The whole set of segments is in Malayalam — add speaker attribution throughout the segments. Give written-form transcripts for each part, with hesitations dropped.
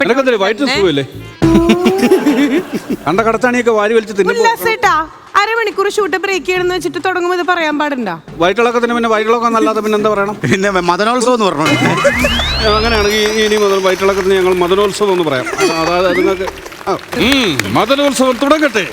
Speaker 1: വയറ്റ് സുഖമില്ലേ? കണ്ട കടത്താണിയൊക്കെ വാരി വലിച്ച്
Speaker 2: തിന്നു. അരമണിക്കൂർ ഷൂട്ട് ബ്രേക്ക് ചെയ്യണമെന്ന് വെച്ചിട്ട് തുടങ്ങുമ്പോൾ ഇത് പറയാൻ പാടുണ്ടോ?
Speaker 1: വയറ്റിളക്കത്തിന് പിന്നെ വയറ്റിളക്കം അല്ലാതെ പിന്നെ എന്താ പറയണം?
Speaker 3: പിന്നെ മദനോത്സവം എന്ന് പറഞ്ഞു.
Speaker 1: അങ്ങനെയാണെങ്കിൽ ഇനി മുതൽ വയറ്റിളക്കത്തിന് ഞങ്ങൾ മദനോത്സവം എന്ന് പറയാം. അതായത് നിങ്ങൾക്ക് മദനോത്സവം തുടങ്ങട്ടെ.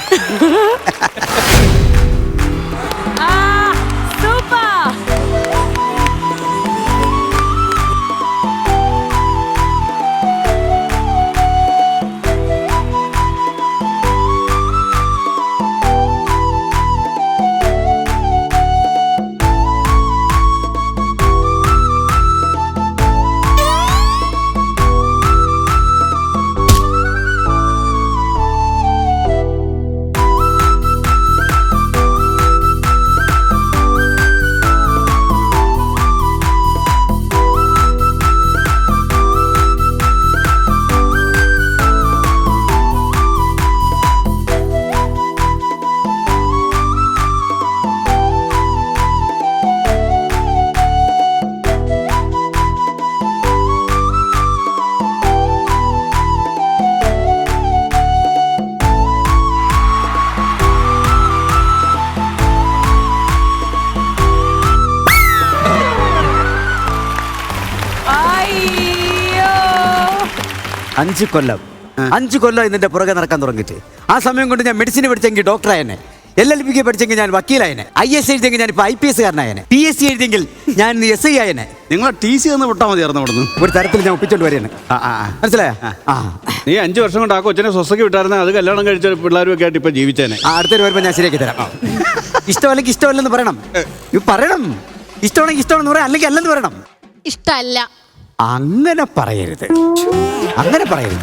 Speaker 3: അഞ്ച് കൊല്ലം ഇതിന്റെ പുറകെ നടക്കാൻ തുടങ്ങിയിട്ട് ആ സമയം കൊണ്ട് ഞാൻ മെഡിസിൻ പഠിച്ചെങ്കിൽ ഡോക്ടറായനെ, LLB പഠിച്ചെങ്കിൽ ഞാൻ വക്കീലായനെ, IS എഴുതിയെങ്കിൽ ഞാൻ ഇപ്പോൾ IPS കാരനായനെ, PSC എഴുതിയെങ്കിൽ ഞാൻ SI ആയനെ.
Speaker 1: നിങ്ങളെ TC ഒന്ന് വിട്ടാൽ മതിയായിരുന്നു അവിടുന്ന്.
Speaker 3: ഒരു തരത്തിൽ ഞാൻ ഒപ്പിച്ചോണ്ട് വരെയാണ്. മനസ്സിലായോ?
Speaker 1: നീ 5 വർഷം കൊണ്ട് ആ കൊച്ചിനെ സ്വസ്ഥക്ക് വിട്ടായിരുന്നെ അത് കല്യാണം കഴിച്ച പിള്ളേരും ഒക്കെ ആയിട്ട് ഇപ്പൊ ജീവിച്ചേനെ.
Speaker 3: അടുത്തൊരു വരുമ്പോൾ ഞാൻ ശരിയാക്കി തരാം. ഇഷ്ടമല്ലെങ്കിൽ ഇഷ്ടമല്ലെന്ന് പറയണം. പറയണം. ഇഷ്ടമാണെങ്കിൽ ഇഷ്ടമാണെന്ന് പറയാം, അല്ലെങ്കിൽ അല്ലെന്ന് പറയണം.
Speaker 2: ഇഷ്ടമല്ല.
Speaker 3: അങ്ങനെ പറയരുത്. അങ്ങനെ പറയരുത്.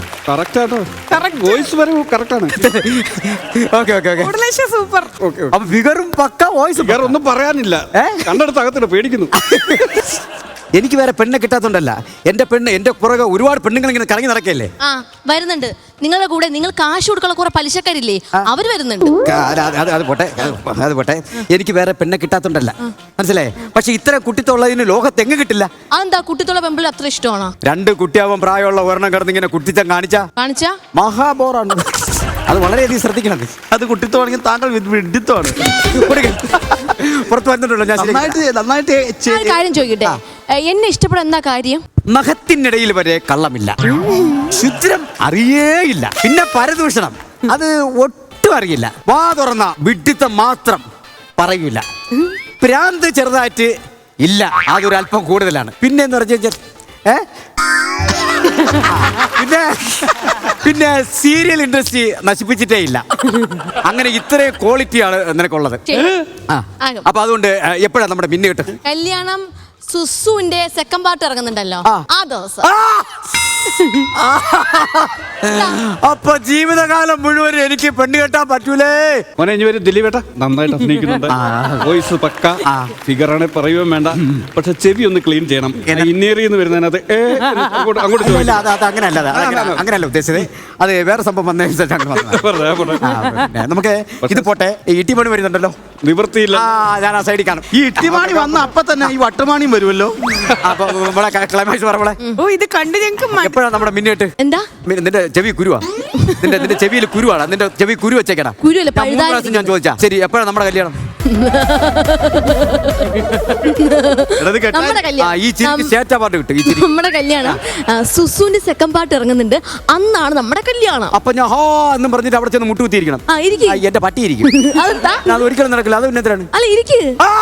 Speaker 2: സൂപ്പർ.
Speaker 3: അപ്പൊ ഫിഗറും പക്ക വോയിസ്
Speaker 1: ഒന്നും പറയാനില്ല. കണ്ടെടുത്ത് അകത്തിട്ട് പേടിക്കുന്നു.
Speaker 3: എനിക്ക് വേറെ പെണ്ണെ കിട്ടാത്തോണ്ടല്ല, എന്റെ പെണ്ണ് എന്റെ പുറകെ ഒരുപാട് പെണ്ണുങ്ങൾ ഇങ്ങനെ കറങ്ങി നടക്കല്ലേ.
Speaker 2: വരുന്നുണ്ട് നിങ്ങളുടെ കൂടെ. നിങ്ങൾ കാശ് കൊടുക്കാനുള്ള കുറെ പലിശക്കാരില്ലേ, അവര് വരുന്നുണ്ട്.
Speaker 3: അത് പോട്ടെ. എനിക്ക് വേറെ പെണ്ണെ കിട്ടാത്തോണ്ടല്ല, മനസ്സിലായേ. പക്ഷെ ഇത്ര കുട്ടിത്തുള്ളതിന് ലോകത്ത് എങ്ങ് കിട്ടില്ല.
Speaker 2: അതെന്താ കുട്ടിത്തുള്ള പെമ്പിൾ അത്ര ഇഷ്ടമാണോ?
Speaker 3: 2 കുട്ടിയാവാൻ പ്രായമുള്ള ഒരെണ്ണം കിടന്ന് ഇങ്ങനെ കുട്ടിത്തം കാണിച്ചാ മഹാബോറാണ്. അത് വളരെയധികം ശ്രദ്ധിക്കണം.
Speaker 1: അത് കുട്ടിത്തോണെങ്കിൽ താങ്കൾ വിഡിത്തമാണ്.
Speaker 3: പുറത്ത് വന്നിട്ടുണ്ടല്ലോ. ഞാൻ
Speaker 1: നന്നായിട്ട്
Speaker 2: കാര്യം ചോദിക്കട്ടെ, എന്നെ ഇഷ്ടപ്പെടാൻ എന്താ കാര്യം?
Speaker 3: നഖത്തിനിടയിൽ വരെ കള്ളമില്ല, ശുദ്രം അറിയേയില്ല, പിന്നെ പരദൂഷണം അത് ഒട്ടും അറിയില്ല. വാ തുറന്ന വിഡിത്തം മാത്രം പറയൂല. ഭ്രാന്ത് ചെറുതായിട്ട് ഇല്ല, അതൊരു അല്പം കൂടുതലാണ്. പിന്നെ എന്ന് പറഞ്ഞാൽ പിന്നെ സീരിയൽ ഇൻഡസ്ട്രി നശിപ്പിച്ചിട്ടേ ഇല്ല. അങ്ങനെ ഇത്രയും ക്വാളിറ്റിയാണ് നിനക്കുള്ളത്. അപ്പൊ അതുകൊണ്ട് എപ്പോഴാണ് നമ്മുടെ മിന്നു കിട്ടും?
Speaker 2: കല്യാണം സുസുവിന്റെ സെക്കൻഡ് പാർട്ട് ഇറങ്ങുന്നുണ്ടല്ലോ ആ ദിവസം.
Speaker 3: അപ്പൊ ജീവിതകാലം മുഴുവൻ എനിക്ക് പെണ്ണ് കെട്ടാൻ പറ്റൂലേ.
Speaker 1: ദിലീപേട്ട നന്നായിട്ട് അഭിനയിക്കുന്നുണ്ട്. വോയിസ് പക്ക, ഫിഗറാണെ പറയുകയും വേണ്ട. പക്ഷെ ചെവി ഒന്ന് ക്ലീൻ ചെയ്യണം. ഇന്നേറിയെന്ന് വരുന്നതിനകത്ത്
Speaker 3: അങ്ങനെയല്ല ഉദ്ദേശിച്ചത്. അത് വേറെ സംഭവം നമുക്ക് ഇത് പോട്ടെ. ഇട്ടിമണി വരുന്നുണ്ടല്ലോ,
Speaker 1: നിവൃത്തിയില്ല.
Speaker 3: ഞാൻ ആ സൈഡിൽ കാണും.
Speaker 1: ഈ ഇട്ടിമാണി വന്ന അപ്പൊ തന്നെ ഈ വട്ടമാണിയും വരുമല്ലോ.
Speaker 3: അപ്പൊ ക്ലൈമാക്സ് പറ.
Speaker 2: ഇത് കണ്ട് ഞങ്ങൾക്ക്
Speaker 3: എപ്പോഴാണ് നമ്മുടെ മിന്നിട്ട്?
Speaker 2: എന്താ
Speaker 3: നിന്റെ ചെവി കുരുവാ? നിന്റെ ചെവിയിൽ കുരുവാണ്. നിന്റെ ചെവി കുരു വെച്ചേക്കടാ. ഞാൻ ചോദിച്ചാ ശരി, എപ്പോഴാണ് നമ്മുടെ കല്യാണം?
Speaker 2: നമ്മുടെ കല്യാണം സുസുവിന്റെ സെക്കൻഡ് പാർട്ട് ഇറങ്ങുന്നുണ്ട്, അന്നാണ് നമ്മുടെ കല്യാണം.
Speaker 3: അപ്പൊ ഞാൻ ഹോ എന്നും പറഞ്ഞിട്ട് അവിടെ ചെന്ന് മുട്ടുകുത്തിയിരിക്കണം. എന്റെ പട്ടി ഇരിക്കും. അത് ഒരിക്കലും നടക്കില്ല. അത് ഉന്നതരാണ്.
Speaker 2: അല്ല ഇരിക്കും.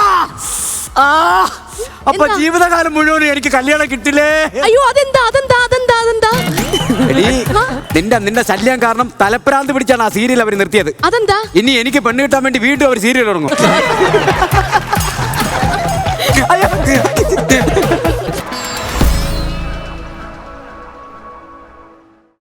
Speaker 3: അപ്പൊ ജീവിതകാലം മുഴുവൻ എനിക്ക് കല്യാണം കിട്ടില്ലേ?
Speaker 2: അയ്യോ അതെന്താ അതെന്താ അതെന്താ അതെന്താ?
Speaker 3: നിന്റെ ശല്യം കാരണം തലപ്രാന്ത് പിടിച്ചാണ് ആ സീരിയൽ അവർ നിർത്തിയത്.
Speaker 2: അതെന്താ?
Speaker 3: ഇനി എനിക്ക് പെണ്ണ് കിട്ടാൻ വേണ്ടി വീണ്ടും അവർ സീരിയൽ തുടങ്ങും.